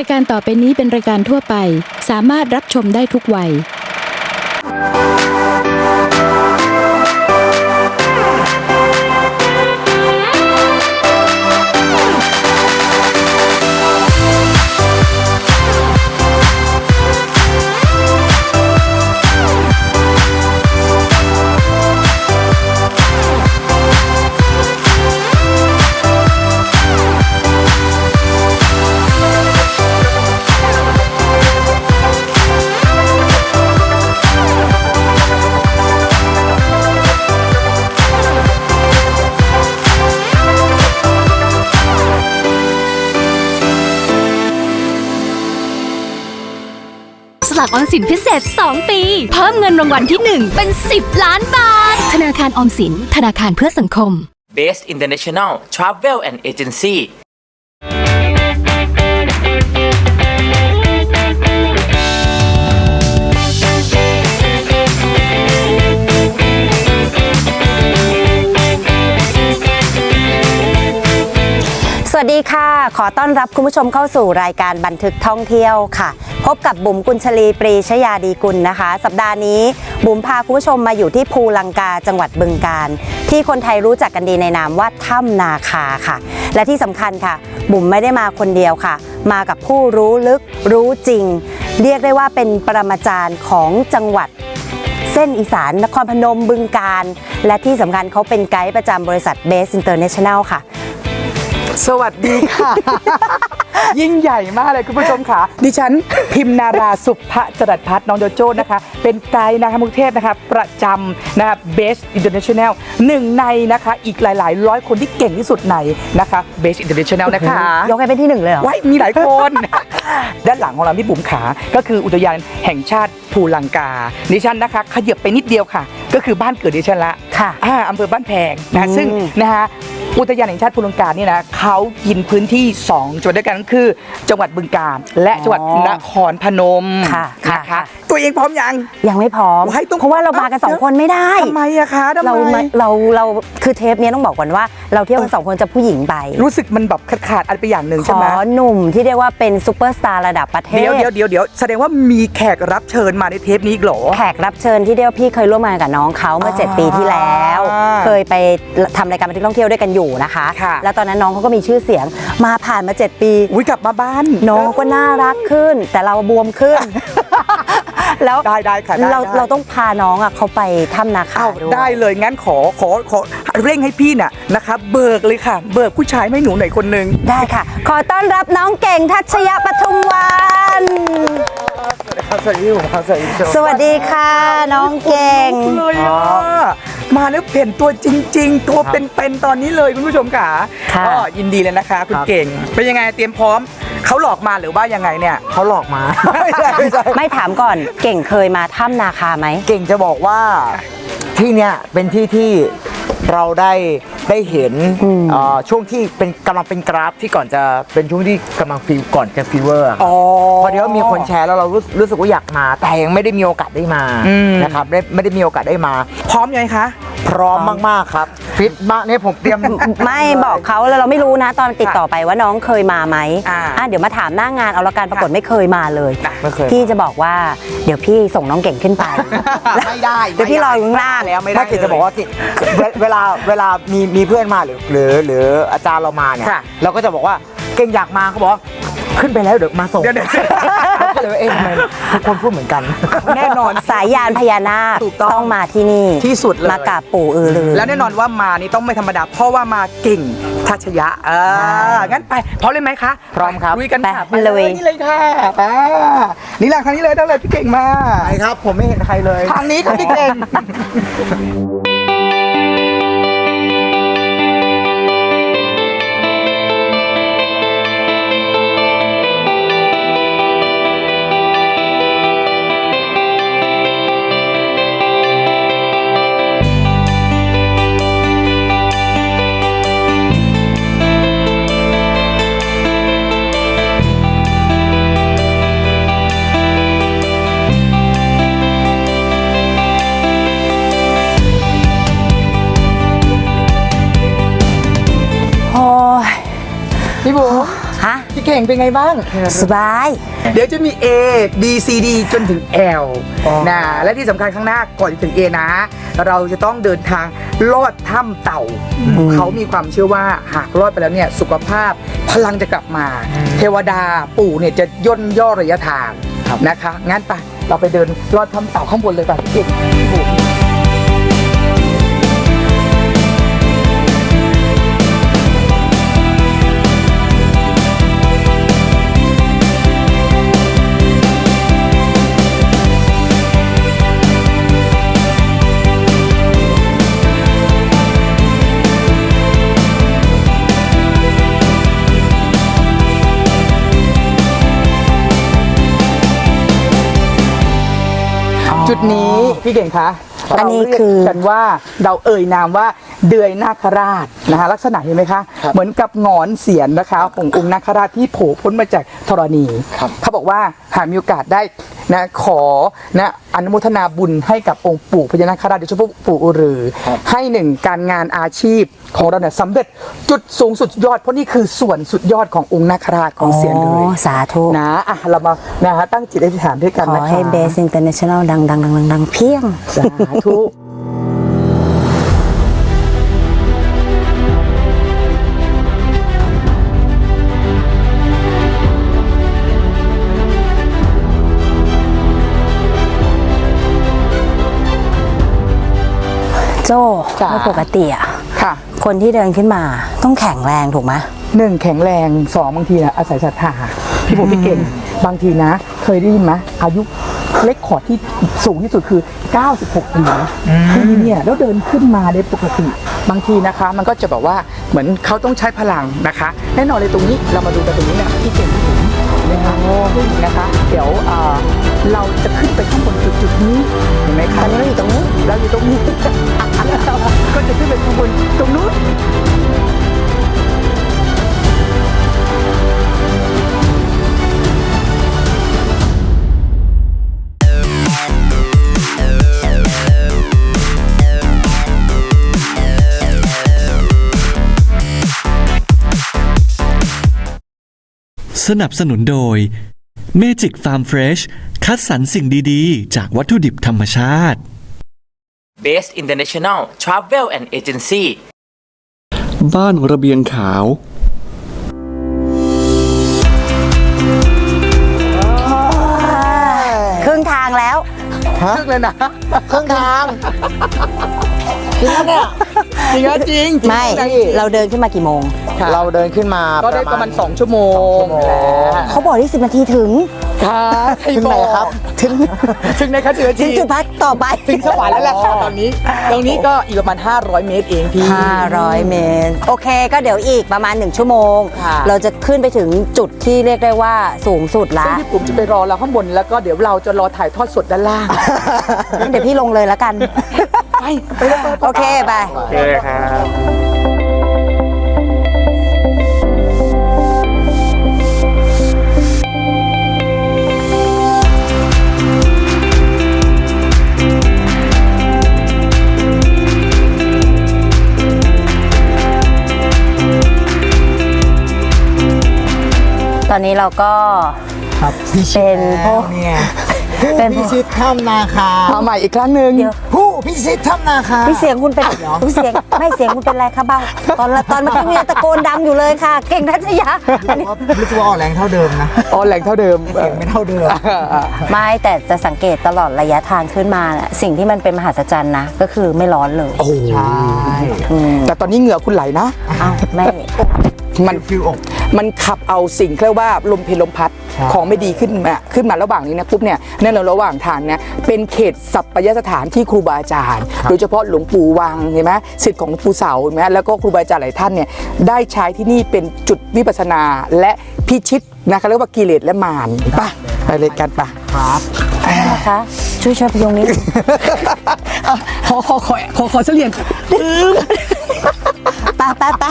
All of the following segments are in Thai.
ายการต่อไปนี้เป็นรายการทั่วไปสามารถรับชมได้ทุกวัยสลากออมสินพิเศษ 2 ปีเพิ่มเงินรางวัลที่ 1 เป็น 10 ล้านบาทธนาคารออมสินธนาคารเพื่อสังคม Best International Travel and Agency สวัสดีค่ะขอต้อนรับคุณผู้ชมเข้าสู่รายการบันทึกท่องเที่ยวค่ะพบกับบุ๋มกุลชลีปรีชยาดีกุลนะคะสัปดาห์นี้บุ๋มพาคุณผู้ชมมาอยู่ที่ภูลังกาจังหวัดบึงกาฬที่คนไทยรู้จักกันดีในนามว่าถ้ำนาคาค่ะและที่สำคัญค่ะบุ๋มไม่ได้มาคนเดียวค่ะมากับผู้รู้ลึกรู้จริงเรียกได้ว่าเป็นปรมาจารย์ของจังหวัดเส้นอีสานนครพนมบึงกาฬและที่สำคัญเขาเป็นไกด์ประจำบริษัท Best International ค่ะสวัสดีค่ะ ยิ่งใหญ่มากเลยคุณผู้ชมค่ะดิฉันพิมนาราสุภจรัสพัฒน์น้องโจโจ้นะคะเป็นไกด์นะคะมุกเทพนะคะประจำนะคะ Best International หนึ่งในนะคะอีกหลายร้อยคนที่เก่งที่สุดในนะคะ Best International นะคะยกให้เป็นที่หนึ่งเลยเหรอว้ายมีหลายคน ด้านหลังของเราที่บุ๋มขาก็คืออุทยานแห่งชาติภูลังกาดิฉันนะคะขยับไปนิดเดียวค่ะก็คือบ้านเกิดดิฉันละค่ะอำเภอบ้านแพงนะซึ่งนะคะอุทยานแห่งชาติภูลังกานี่นะเขากินพื้นที่2จังหวัดด้วยกันก็คือจังหวัดบึงกาฬและจังหวัดนครพนมนะคะตัวเองพร้อมยังไม่พร้อมเพราะว่าเรามากัน2คนไม่ได้ทำไมอะคะเราคือเทปนี้ต้องบอกก่อนว่าเราเที่ยวกัน2คนจะผู้หญิงไปรู้สึกมันแบบขาดอะไรไปอย่างหนึ่งใช่ไหมหนุ่มที่เรียกว่าเป็นซุปเปอร์สตาร์ระดับประเทศเดี๋ยวแสดงว่ามีแขกรับเชิญมาในเทปนี้หรอแขกรับเชิญที่เรียกว่าพี่เคยร่วมงานกับน้องเขาเมื่อ7 ปีที่แล้วเคยไปทำรายการบันทึกท่องเที่ยวด้วยกันอยู่นะคะแล้วตอนนั้นน้องเขาก็มีชื่อเสียงมาผ่านมา7 ปีกลับมาบ้านน้องก็น่ารักขึ้นแต่เราบวมขึ้นแล้วได้ค่ะเราต้องพาน้องเขาไปถ้ำนาคาด้วยได้เลยงั้นขอเร่งให้พี่น่ะนะคะเบิกเลยค่ะเบิกผู้ชายไม่หนูหน่อยคนนึงได้ค่ะขอต้อนรับน้องเก่งทัชยะปทุมวันสวัสดีครับสวัสดีค่ะน้องเก่งเลยมาแล้วเห็นตัวจริงๆตัวเป็นๆตอนนี้เลยคุณผู้ชมค่ะก็ยินดีเลยนะคะคุณเก่งเป็นยังไงเตรียมพร้อมเขาหลอกมาหรือว่ายังไงเนี่ยเขาหลอกมาไม่ถามก่อนเก่งเคยมาถ้ำนาคาไหมเก่งจะบอกว่าที่เนี้ยเป็นที่ที่เราได้เห็นช่วงที่กำลังเป็นกราฟที่ก่อนจะเป็นช่วงที่กำลังก่อนจะฟีเวอร์พอเดี๋ยวมีคนแชร์แล้วเรารู้สึกว่าอยากมาแต่ยังไม่ได้มีโอกาสได้มานะครับไม่ได้มีโอกาสได้มาพร้อมยังคะพร้อมมากๆครับฟิตมากเนี่ยผมเตรียมไม่บอกเขาแล้วเราไม่รู้นะตอนติดต่อไปว่าน้องเคยมาไหมเดี๋ยวมาถามหน้างานเอาละกันปรากฏไม่เคยมาเลยพี่จะบอกว่าเดี๋ยวพี่ส่งน้องเก่งขึ้นไปไม่ได้เดี๋ยวพี่รออยู่ข้างล่างแล้วไม่ได้เก่งจะบอกว่าเวลามีเพื่อนมาหรืออาจารย์เรามาเนี่ยเราก็จะบอกว่าเก่งอยากมาเขาบอกขึ้นไปแล้วเดี๋ยวมาส่งก็เลยเอ๊ะทำไมทุกคนพูดเหมือนกันแน่นอนสายยานพญานาคต้องมาที่นี่ที่สุดเลยมากราบปู่อือลือแล้วแน่นอนว่ามานี่ต้องไม่ธรรมดาเพราะว่ามาเก่งทัชยะงั้นไปพร้อมเลยไหมคะพร้อมครับลุยกันไปเลยนี่เลยค่ะนี่แหละทางนี้เลยได้เลยพี่เก่งมาไปครับผมไม่เห็นใครเลยทางนี้ครับพี่เก่งฮะพี่เก่งเป็นไงบ้างสบายเดี๋ยวจะมี A B C D จนถึง L นะและที่สำคัญข้างหน้าก่อนจะถึง A นะ เราจะต้องเดินทางลอดถ้ำเต่า เขามีความเชื่อว่าหากลอดไปแล้วเนี่ยสุขภาพพลังจะกลับมา เทวดาปู่เนี่ยจะย่นย่อระยะทางนะคะ งั้นไปเราไปเดินลอดถ้ำเต่าข้างบนเลยป่ะพี่เก่งพี่บุ๋ม จุดนี้พี่เก่งคะอันนี้เราเรียกคือกันว่าเราเอ่ยนามว่าเดือยนาคราชนะคะลักษณะเห็นไหมคะ เหมือนกับหงอนเสียนนะคะขององค์นาคราชที่โผล่พ้นมาจากธรณีเขาบอกว่าหากมีโอกาสได้นะขอนะอนุโมทนาบุญให้กับองค์ปู่พญานาคราชโดยเฉพาะปู่อือรือให้หนึ่งการงานอาชีพของเราเนี่ยสำเร็จจุดสูงสุดยอดเพราะนี่คือส่วนสุดยอดขององค์นาคราชของเสียนเลยสาธุนะอ่ะเรามานะคะตั้งจิตอธิษฐานด้วยกันขอนะคะให้เบสอินเตอร์เนชั่นแนลดังเพียงสาธุโจ้จ๋าไม่ปกติอ่ะค่ะคนที่เดินขึ้นมาต้องแข็งแรงถูกไหมหนึ่งแข็งแรงสองบางทีนะอาศัยศรัทธาพี่ผมพี่เก่งบางทีนะ เคยได้ยินไหมอายุเลคคอร์ดที่สูงที่สุดคือ 96 ปีนะที่เนี่ยแล้วเดินขึ้นมาได้ปกติ บางทีนะคะ มันก็จะแบบว่าเหมือนเขาต้องใช้พลังนะคะแน่นอนเลยตรงนี้เรามาดูกันตรงนี้เนี่ยพี่เก่งพี่ผมนะคะซึ่งนะคะเดี๋ยวเราจะขึ้นไปข้างบนจุดนี้เห็นไหมคะตอนนี้เราอยู่ตรงนี้เราอยู่ตรงนี้ ก็จะขึ้นไปข้างบนตรงนู้นสนับสนุนโดย Magic Farm Fresh คัดสรรสิ่งดีๆ จากวัตถุดิบธรรมชาติ Base International Travel and Agency บ้านระเบียงขาวครึ่งทางแล้วครึ่งเลยนะเครื่องทางจริงเนี่ยจริงเหรอจริงไม่ เราเดินขึ้นมากี่โมงเราเดินขึ้นมาก็ได้ประมาณ2 ชั่วโมงแล้วเขาบอกที่10 นาทีถึงค่ะถึงไหนครับถึงไหนคะถึงถึงจุดพักต่อไปถึงสวรรค์แล้วแหละค่ะตอนนี้ ตรงนี้ก็อีกประมาณ500 เมตรเองพี่ 500 เมตร โอเคก็เดี๋ยวอีกประมาณ1 ชั่วโมงค่ะเราจะขึ้นไปถึงจุดที่เรียกได้ว่าสูงสุดละซึ่งพี่ปุ๋มจะไปรอเราข้างบนแล้วก็เดี๋ยวเราจะรอถ่ายทอดสดด้านล่างงั้นเดี๋ยวพี่ลงเลยแล้วกันไปเลยโอเคไปโอเคครับตอนนี้เราก็ครับพี่ชิเป็นพวกเนี่ยเป็นผู้พิชิตถ้ำนาคามาใหม่อีกครั้งหนึ่งผู้พิชิตถ้ำนาคาพี่เสียงคุณเป็นพี่เสียงไม่เสียงคุณเป็นไรคะเบ้าตอนเมื่อกี้คุณยังตะโกนดังอยู่เลยค่ะ เก่งทัชยาอันนี้รู้สึกว่าออกแรงเท่าเดิมนะอ๋อแหล่งเท่าเดิมเสียงไม่เท่าเดิมไม่แต่จะสังเกตตลอดระยะทางขึ้นมาน่ะสิ่งที่มันเป็นมหัศจรรย์นะก็คือไม่ร้อนเลยโอ้ใช่แต่ตอนนี้เหงื่อคุณไหลนะอ้าวไม่มันฟิวอกมันขับเอาสิ่งเรียกว่าลมเพลลมพัดใช่ของไม่ดีขึ้นมาระหว่างนี้นะปุ๊บเนี่ยแน่นอนระหว่างทางเนี่ยเป็นเขตสัปยสถานที่ครูบาอาจารย์โดยเฉพาะหลวงปู่วังเห็นไหมศิษย์ของหลวงปู่เสาเห็นไหมแล้วก็ครูบาอาจารย์หลายท่านเนี่ยได้ใช้ที่นี่เป็นจุดวิปัสสนาและพิชิตนะคะเรียกว่ากิเลสและมารไปเลยกันปะครับนะคะช่วยพยุงนิดขอเสลียงไป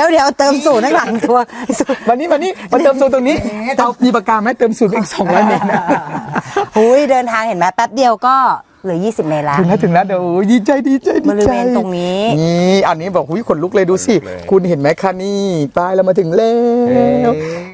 ดี๋ยวเติมสูตรข้างหลังตัววันนี้มาเติมสูตรตรงนี้เอามีปากกาไหมเติมสูตรอีก200 เมตรนะหุยเดินทางเห็นไหมแป๊บเดียวก็เหลือ20 เมตรแล้วถึงแล้วเดี๋ยวดีใจบริเวณตรงนี้นี่อันนี้บอกขนลุกเลยดูสิคุณเห็นไหมคะนี่ป้ายเรามาถึงแล้ว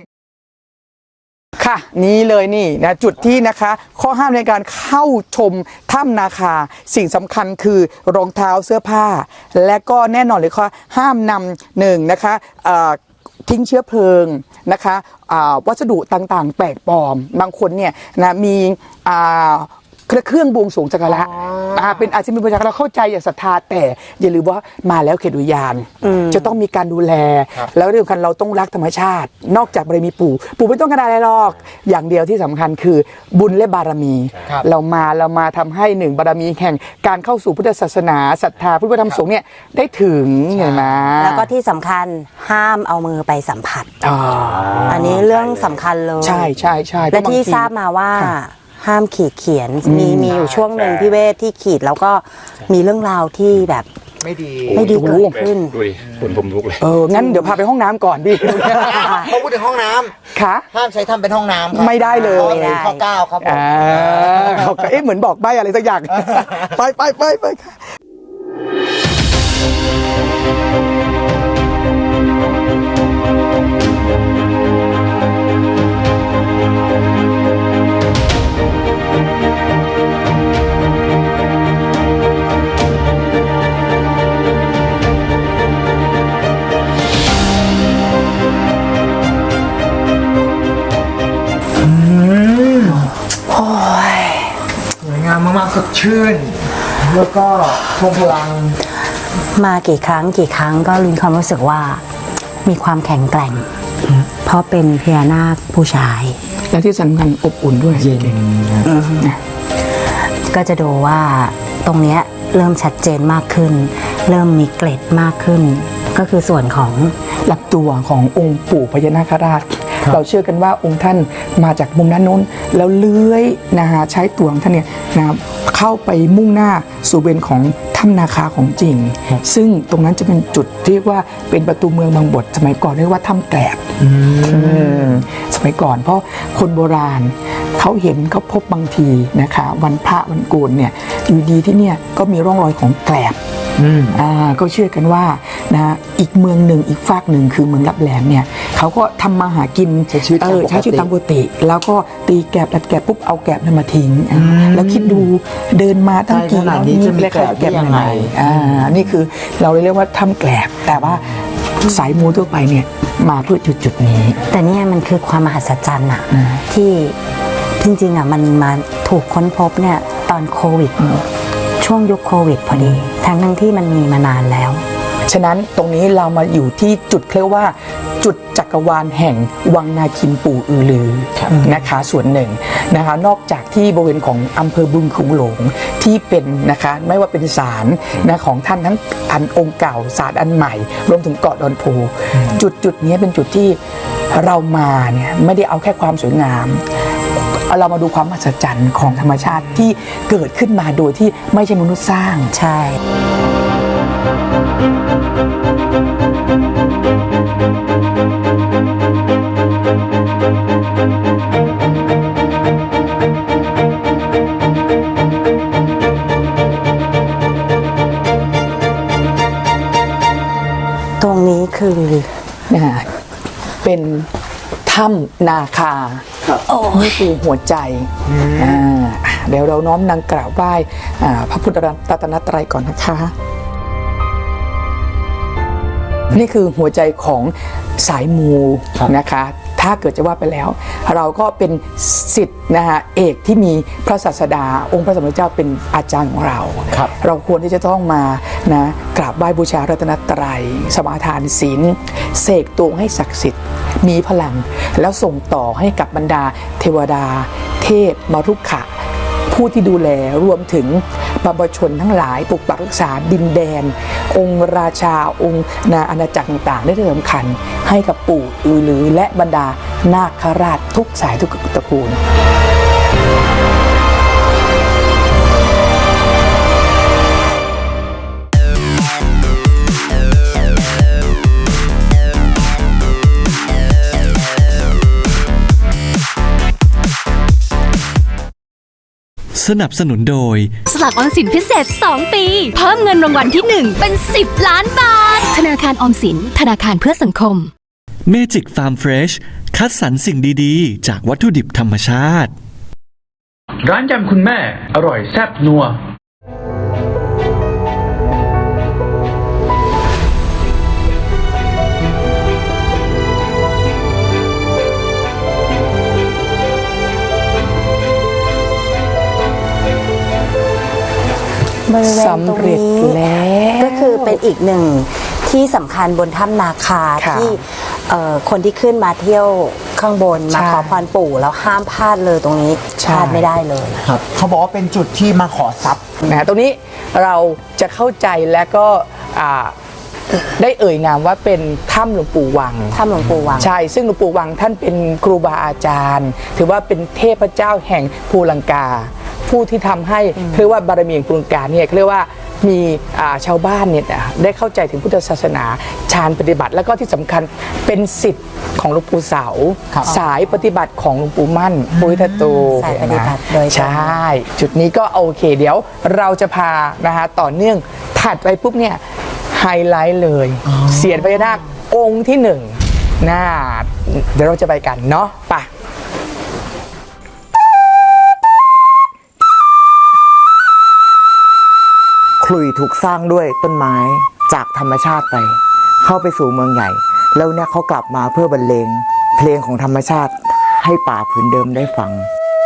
ค่ะนี่เลยนี่นะจุดที่นะคะข้อห้ามในการเข้าชมถ้ำนาคาสิ่งสำคัญคือรองเท้าเสื้อผ้า และก็แน่นอนเลยค่ะห้ามนำหนึ่งนะคะทิ้งเชื้อเพลิงนะคะวัสดุต่างๆแปลกปลอมบางคนเนี่ยนะมีเครื่องบวงสรวงจักระเป็นอาชีพบูชาเราเข้าใจอย่างศรัทธาแต่อย่าลืมว่ามาแล้วเขตอุทยานจะต้องมีการดูแลแล้วเรื่องคันเราต้องรักธรรมชาติ นอกจากบารมีปู่ไม่ต้องการอะไรหรอกอย่างเดียวที่สำคัญคือบุญและบารมีเรามาทำให้หนึ่งบารมีแห่งการเข้าสู่พุทธศาสนาศรัทธาพุทธธรรมสงฆ์เนี่ยได้ถึงเห็นไหมแล้วก็ที่สำคัญห้ามเอามือไปสัมผัสอันนี้เรื่องสำคัญเลยใช่และที่ทราบมาว่าห้ามขีดเขียนมีอยู่ช่วงหนึ่งพี่เวทที่ขีดแล้วก็มีเรื่องราวที่แบบไม่ดีเกิดขึ้นดูดิผมลุกเลยงั้นเดี๋ยวพาไปห้องน้ำก่อนพี่เขาพูดถึงห้องน้ำค่ะห้ามใช้ทำเป็นห้องน้ำครับไม่ได้เลยข้อ9ครับผมเขาเหมือนบอกใบ้อะไรสักอย่าง ไปค่ะสวยงามมากๆสดชื่นแล้วก็ทรงพลังมากี่ครั้งก็มีความรู้สึกว่ามีความแข็งแกร่งเพราะเป็นพญานาคผู้ชายและที่สำคัญอบอุ่นด้วยเย็นก็จะดูว่าตรงนี้เริ่มชัดเจนมากขึ้นเริ่มมีเกล็ดมากขึ้นก็คือส่วนของลำตัวขององค์ปู่พญานาคราชเราเชื่อกันว่าองค์ท่านมาจากมุมด้านโน้นแล้วเลื้อยนะฮะใช้ตัวของท่านเนี่ยนะเข้าไปมุ่งหน้าสู่เบนของถ้ำนาคาของจริงซึ่งตรงนั้นจะเป็นจุดเรียกว่าเป็นประตูเมืองบางบทสมัยก่อนเรียกว่าถ้ำแกลบสมัยก่อนเพราะคนโบราณเขาเห็นเขาพบบางทีนะคะวันพระวันโกนเนี่ยอยู่ดีที่เนี่ยก็มีร่องรอยของแกลบก็เชื่อกันว่านะอีกเมืองหนึ่งอีกฝากหนึ่งคือเมืองลับแหลมเนี่ยเขาก็ทำมาหากินใช้ชีวิตตามปกติแล้วก็ตีแกบดัดแกบปุ๊บเอาแกบนั้นมาทิ้งแล้วคิดดูเดินมาตั้งกี่ร้อยนี้และแกบยังไงนี่คือเราเรียกว่าถ้ำแกลบแต่ว่าสายมูทั่วไปเนี่ยมาเพื่อจุดนี้แต่เนี่ยมันคือความมหัศจรรย์อะที่จริงๆอะมันมาถูกค้นพบเนี่ยตอนโควิดช่วงยุคโควิดพอดีทั้งที่มันมีมานานแล้วฉะนั้นตรงนี้เรามาอยู่ที่จุดเรียกว่าจุดจักรวาลแห่งวังนาคินปู่อือลือนะคะส่วนหนึ่งนะคะนอกจากที่บริเวณของอำเภอบึงขุงหลงที่เป็นนะคะไม่ว่าเป็นศาลนะของท่านทั้งอันองค์เก่าศาลอันใหม่รวมถึงเกาะดอนโพจุดนี้เป็นจุดที่เรามาเนี่ยไม่ได้เอาแค่ความสวยงามเรามาดูความมหัศจรรย์ของธรรมชาติที่เกิดขึ้นมาโดยที่ไม่ใช่มนุษย์สร้างใช่ตรงนี้คือเป็นถ้ำนาคานี่คือหัวใจเดี๋ยวเราน้อมนำกราบไหว้พระพุทธรัตนตรัยก่อนนะคะนี่คือหัวใจของสายมูนะคะถ้าเกิดจะว่าไปแล้วเราก็เป็นศิษย์นะคะเอกที่มีพระศาสดาองค์พระสัมมาสัมพุทธเจ้าเป็นอาจารย์ของเราเราควรที่จะต้องมานะกราบไหว้บูชารัตนตรัยสมาทานศีลเสกตัวให้ศักดิ์สิทธิ์มีพลังแล้วส่งต่อให้กับบรรดาเทวดาเทพมรุขะผู้ที่ดูแลรวมถึงบรรพชนทั้งหลายปกปักรักษาดินแดนองค์ราชาองค์อาณาจักรต่างๆได้สำคัญให้กับปู่อือลือและบรรดานาคราชทุกสายทุกตระกูลสนับสนุนโดยสลากออมสินพิเศษ 2 ปี เพิ่มเงินรางวัลที่ 1 เป็น 10 ล้านบาท ธนาคารออมสินธนาคารเพื่อสังคมเมจิกฟาร์มเฟรชคัดสรรสิ่งดีๆ จากวัตถุดิบธรรมชาติร้านยำคุณแม่อร่อยแซ่บนัวบริเวณตรงสำเร็จนี้แล้วก็คือเป็นอีกหนึ่งที่สำคัญบนถ้ำนาคาค่ะที่คนที่ขึ้นมาเที่ยวข้างบนมาใช่ขอพรปู่แล้วห้ามพลาดเลยตรงนี้ใช่พลาดไม่ได้เลยครับเขาบอกว่าเป็นจุดที่มาขอทรัพย์ตรงนี้เราจะเข้าใจและก็ได้เอ่ยนามว่าเป็นถ้ำหลวงปู่วังถ้ำหลวงปู่วังใช่ ซึ่งหลวงปู่วังท่านเป็นครูบาอาจารย์ ถือว่าเป็นเทพเจ้าแห่งภูลังกา ผู้ที่ทำให้เรียกว่าบารมีแห่งภูลังกาเนี่ยเรียกว่ามีชาวบ้านเนี่ยได้เข้าใจถึงพุทธศาสนาฌานปฏิบัติ แล้วก็ที่สำคัญเป็นศิษย์ของหลวงปู่เสา สายปฏิบัติของหลวงปู่มั่นปุริทัตโตสายปฏิบัติโดยตรงใช่ จุดนี้ก็โอเค เดี๋ยวเราจะพานะคะต่อเนื่องถัดไปปุ๊บเนี่ยไฮไลท์เลยเสียนพญานาคองค์ที่หนึ่งน่าเดี๋ยวเราจะไปกันเนาะไปคลุยถูกสร้างด้วยต้นไม้จากธรรมชาติไป เข้าไปสู่เมืองใหญ่ แล้วเนี่ยเขากลับมาเพื่อบรรเลงเพลงของธรรมชาติให้ป่าผืนเดิมได้ฟัง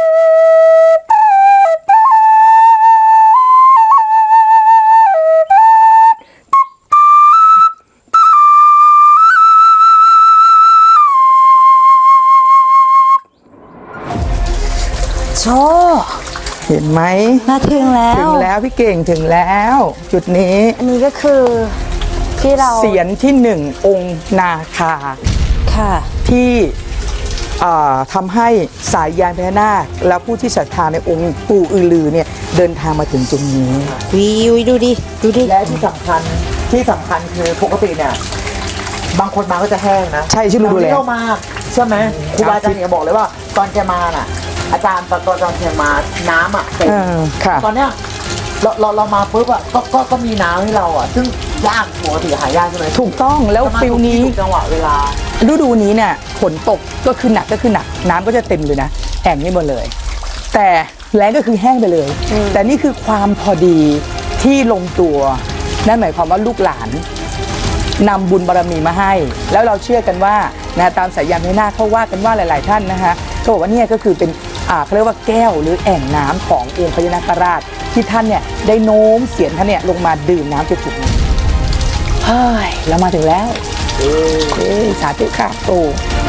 โชว์เห็นไหมมาถึงแล้วถึงแล้วพี่เก่งถึงแล้ว จุดนี้อันนี้ก็คือที่เราเสียนที่หนึ่งองค์นาคาค่ะที่ทำให้สายยานพญานาคและผู้ที่ศรัทธาในองค์ปู่อือลือเนี่ยเดินทางมาถึงตรงนี้วิวดูดิดูดิและที่สำคัญคือปกติเนี่ยบางคนมาก็จะแห้งนะใช่ชื่อรู้ดูแลเรามาใช่ไหมครูบาอาจารย์เนี่ยบอกเลยว่าตอนแกมาน่ะ อาจารย์ตอนแกมาน้ำอ่ะเต็มค่ะตอนเนี้ยเรามาปุ๊บอ่ะก็มีน้ำให้เราอ่ะซึ่งยากปกติหายากใช่ไหมถูกต้องแล้วฟิลนี้ถูกจังหวะเวลาฤดูนี้เนี่ยฝนตกก็คือหนักน้ำก็จะเต็มเลยนะแอ่งนี่หมดเลย แต่แล้งก็คือแห้งไปเลย แต่นี่คือความพอดีที่ลงตัวนั่นหมายความว่าลูกหลานนำบุญบารมีมาให้ แล้วเราเชื่อกันว่านะตามสายยานพญานาคเขาว่ากันว่าหลาย ๆ ท่านนะคะเขาบอกว่าเนี่ยก็คือเป็นเขาเรียกว่าแก้วหรือแอ่งน้ำขององค์พญานาคราชที่ท่านเนี่ยได้โน้มเสียนท่านเนี่ยลงมาดื่มน้ำจุดนี้เฮ้ยเรามาถึงแล้วสาธุค่ะปู่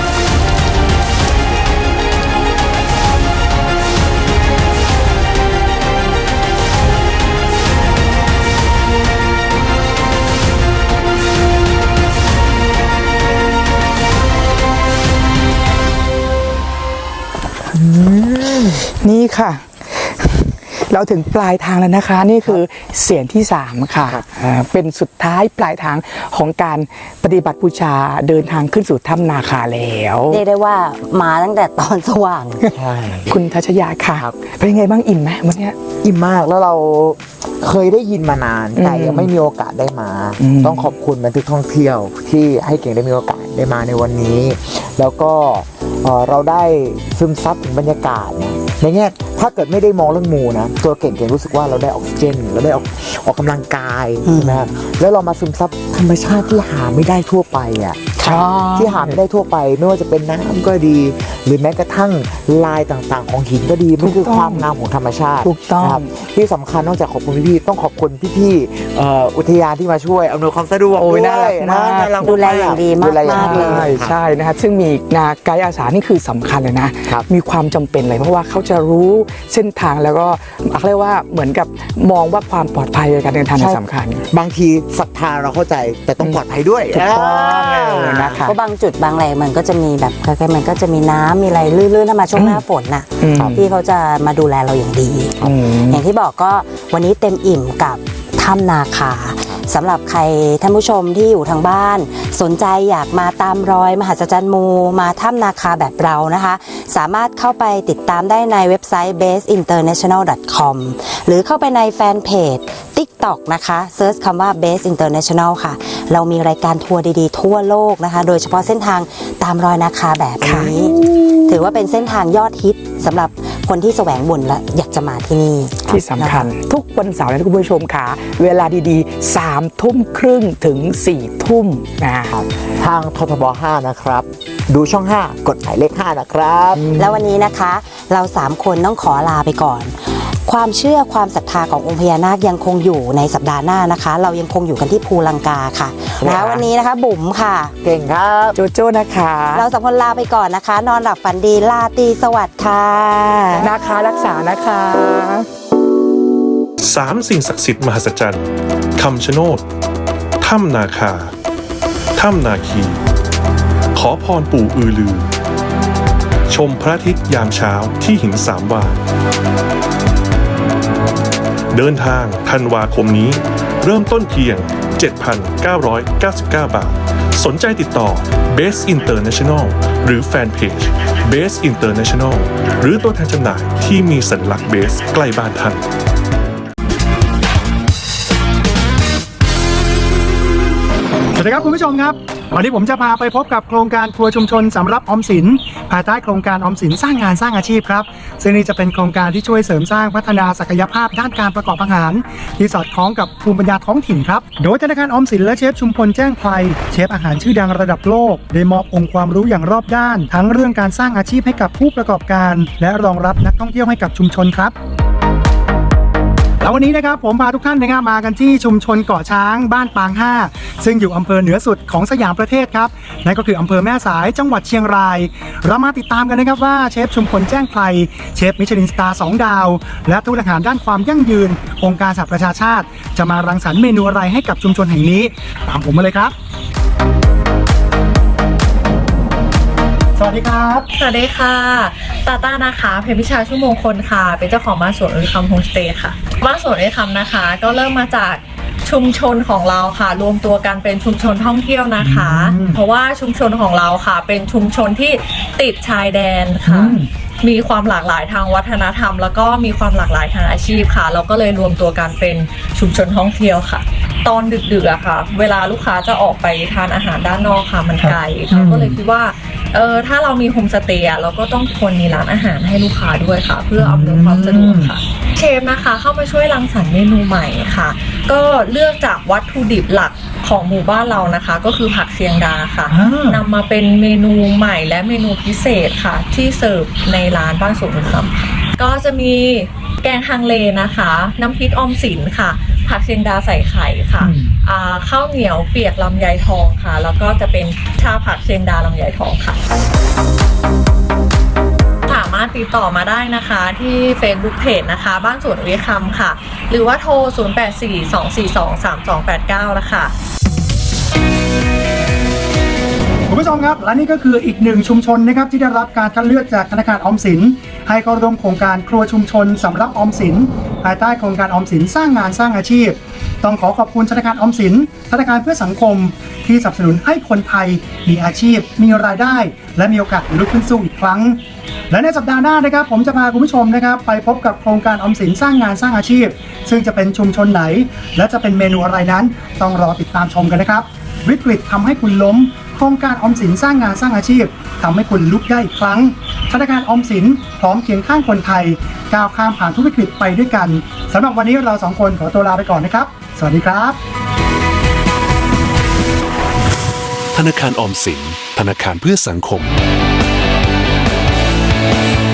นี่ค่ะ เราถึงปลายทางแล้วนะคะ นี่คือเสียงที่ 3 ค่ะเป็นสุดท้ายปลายทางของการปฏิบัติบูชาเดินทางขึ้นสู่ถ้ำนาคาแล้วเรียกได้ว่ามาตั้งแต่ตอนสว่างใช่คุณทัชยาค่ะเป็นยังไงบ้างอิ่มไหมวันเนี้ยอิ่มมากแล้วเราเคยได้ยินมานานแต่ยังไม่มีโอกาสได้มา ต้องขอบคุณบันทึกท่องเที่ยวที่ให้เก่งได้มีโอกาสได้มาในวันนี้ แล้วก็เราได้ซึมซับถึงบรรยากาศนะในแง่ถ้าเกิดไม่ได้มองเรื่องมูนะตัวเก่งรู้สึกว่าเราได้ออกซิเจนเราได้ออกกำลังกายใช่ไหมครับแล้วเรามาซึมซับธรรมชาติที่หาไม่ได้ทั่วไปอ่ะ ที่หาไม่ได้ทั่วไปไม่ว่าจะเป็นน้ำก็ดี หรือแม้กระทั่งลายต่างๆของหินก็ดีมันคือความงามของธรรมชาติถูกต้องนะครับที่สำคัญนอกจากขอบคุณพี่ๆต้องขอบคุณพี่ๆอุทยานที่มาช่วยอำนวยความสะดวกโอ้ยด้น่ารัวยกมากน่ารักดูแลอย่างดีมากดูแลอย่างดีเลยใช่ใช่นะครับซึ่งมีไกด์อาสานี่คือสำคัญเลยนะครับมีความจำเป็นเลยเพราะว่าเขาจะรู้เส้นทางแล้วก็เขาเรียกว่าเหมือนกับมองว่าความปลอดภัยในการเดินทางเนี่ยสำคัญบางทีศรัทธาเราเข้าใจแต่ต้องปลอดภัยด้วยถูกต้องนะคะเพราะบางจุดบางแหล่งมันก็จะมีแบบมันก็จะมีน้ำมีอะไรลื่นๆถ้ามาช่วงหน้าฝนน่ะอืมที่เขาจะมาดูแลเราอย่างดี อย่างที่บอกก็วันนี้เต็มอิ่มกับถ้ำนาคาสำหรับใครท่านผู้ชมที่อยู่ทางบ้านสนใจอยากมาตามรอยมหัศจรรย์มูมาถ้ำนาคาแบบเรานะคะสามารถเข้าไปติดตามได้ในเว็บไซต์ baseinternational.com หรือเข้าไปในแฟนเพจ TikTok นะคะเซิร์ชคำว่า Base International ค่ะเรามีรายการทัวร์ดีๆทั่วโลกนะคะโดยเฉพาะเส้นทางตามรอยนาคาแบบนี้ถือว่าเป็นเส้นทางยอดฮิตสำหรับคนที่แสวงบุญและอยากจะมาที่นี่ที่สำคัญทุกวันเสาร์นะคุณผู้ชมค่ะเวลาดีๆ3 ทุ่มครึ่งถึง4 ทุ่มนะครับทางททบ 5 นะครับ ดูช่อง 5 กดหมายเลข 5 นะครับแล้ววันนี้นะคะเรา3คนต้องขอลาไปก่อนความเชื่อความศรัทธาขององค์พญานาคยังคงอยู่ในสัปดาห์หน้านะคะ เรายังคงอยู่กันที่ภูลังกาค่ะนะคะวันนี้นะคะบุ๋มค่ะเก่งครับโจโจ้นะคะเราสองคนลาไปก่อนนะคะ นอนหลับฝันดีราตรีสวัสดิ์ค่ะนาคารักษานะคะ 3 สิ่งศักดิ์สิทธิ์มหัศจรรย์คำชะโนดถ้ำนาคาถ้ำนาคี ขอพรปู่อือลือ ชมพระอาทิตย์ยามเช้าที่หินสามวาเดินทางธันวาคมนี้เริ่มต้นเพียง 7,999 บาท สนใจติดต่อ Base International หรือแฟนเพจ Base International หรือตัวแทนจำหน่ายที่มีสัญลักษณ์ Base ใกล้บ้านท่านสวัสดีครับคุณผู้ชมครับวันนี้ผมจะพาไปพบกับโครงการครัวชุมชนสำรับออมสินภายใต้โครงการออมสินสร้างงานสร้างอาชีพครับซึ่งนี่จะเป็นโครงการที่ช่วยเสริมสร้างพัฒนาศักยภาพด้านการประกอบอาหารที่สอดคล้องกับภูมิปัญญาท้องถิ่นครับโดยธนาคารออมสินและเชฟชุมพลแจ้งไพรเชฟอาหารชื่อดังระดับโลกได้มอบองค์ความรู้อย่างรอบด้านทั้งเรื่องการสร้างอาชีพให้กับผู้ประกอบการและรองรับนักท่องเที่ยวให้กับชุมชนครับแล้ววันนี้นะครับผมพาทุกท่านนะครับมากันที่ชุมชนเกาะช้างบ้านปาง5ซึ่งอยู่อำเภอเหนือสุดของสยามประเทศครับนั่นก็คืออำเภอแม่สายจังหวัดเชียงรายเรามาติดตามกันนะครับว่าเชฟชุมพลแจ้งไพรเชฟมิชลินสตาร์2 ดาวและทูตอาหารด้านความยั่งยืนองค์การสหประชาชาติจะมารังสรรค์เมนูอะไรให้กับชุมชนแห่งนี้ตามผมมาเลยครับสวัสดีครับสวัสดีค่ะตาต้านะคะเพญพิชาชุ่มมงคลค่ะเป็นเจ้าของบ้านสวนอุยคำโฮมสเตย์ค่ะบ้านสวนอุยคำนะคะก็เริ่มมาจากชุมชนของเราค่ะรวมตัวกันเป็นชุมชนท่องเที่ยวนะคะเพราะว่าชุมชนของเราค่ะเป็นชุมชนที่ติดชายแดนค่ะมีความหลากหลายทางวัฒนธรรมแล้วก็มีความหลากหลายทางอาชีพค่ะเราก็เลยรวมตัวกันเป็นชุมชนท่องเที่ยวค่ะตอนดึกๆอะค่ะเวลาลูกค้าจะออกไปทานอาหารด้านนอกค่ะมันไกลเราก็เลยคิดว่าถ้าเรามีโฮมสเตย์เราก็ต้องควรมีร้านอาหารให้ลูกค้าด้วยค่ะเพื่ออำนวยความสะดวกค่ะเชฟนะคะเข้ามาช่วยรังสรรค์เมนูใหม่ค่ะก็เลือกจากวัตถุดิบหลักของหมู่บ้านเรานะคะก็คือผักเชียงดาค่ะนำมาเป็นเมนูใหม่และเมนูพิเศษค่ะที่เสิร์ฟในร้านบ้านสวนอุยคำก็จะมีแกงฮังเลนะคะน้ำพริกออมสินค่ะผักเชียงดาใส่ไข่ค่ะข้าวเหนียวเปียกลำไยทองค่ะแล้วก็จะเป็นชาผักเชียงดาลำไยทองค่ะสามารถติดต่อมาได้นะคะที่ Facebook Page นะคะบ้านสวนอุยคำค่ะหรือว่าโทร 0842423289 นะคะคุณผู้ชมครับและนี่ก็คืออีกหนึ่งชุมชนนะครับที่ได้รับการคัดเลือกจากธนาคารออมสินให้เข้าร่วมโครงการครัวชุมชนสำหรับออมสินภายใต้โครงการออมสินสร้างงานสร้างอาชีพต้องขอขอบคุณธนาคารออมสินธนาคารเพื่อสังคมที่สนับสนุนให้คนไทยมีอาชีพมีรายได้และมีโอกาสลุกขึ้นสู้อีกครั้งและในสัปดาห์หน้านะครับผมจะพาคุณผู้ชมนะครับไปพบกับโครงการออมสินสร้างงานสร้างอาชีพซึ่งจะเป็นชุมชนไหนและจะเป็นเมนูอะไรนั้นต้องรอติดตามชมกันนะครับวิกฤตทำให้คุณล้มโครงการออมสินสร้างงานสร้างอาชีพทำให้คุณลุกได้อีกครั้งธนาคารออมสินพร้อมเคียงข้างคนไทยก้าวข้ามผ่านทุกวิกฤตไปด้วยกันสำหรับวันนี้เราสองคนขอตัวลาไปก่อนนะครับสวัสดีครับธนาคารออมสินธนาคารเพื่อสังคม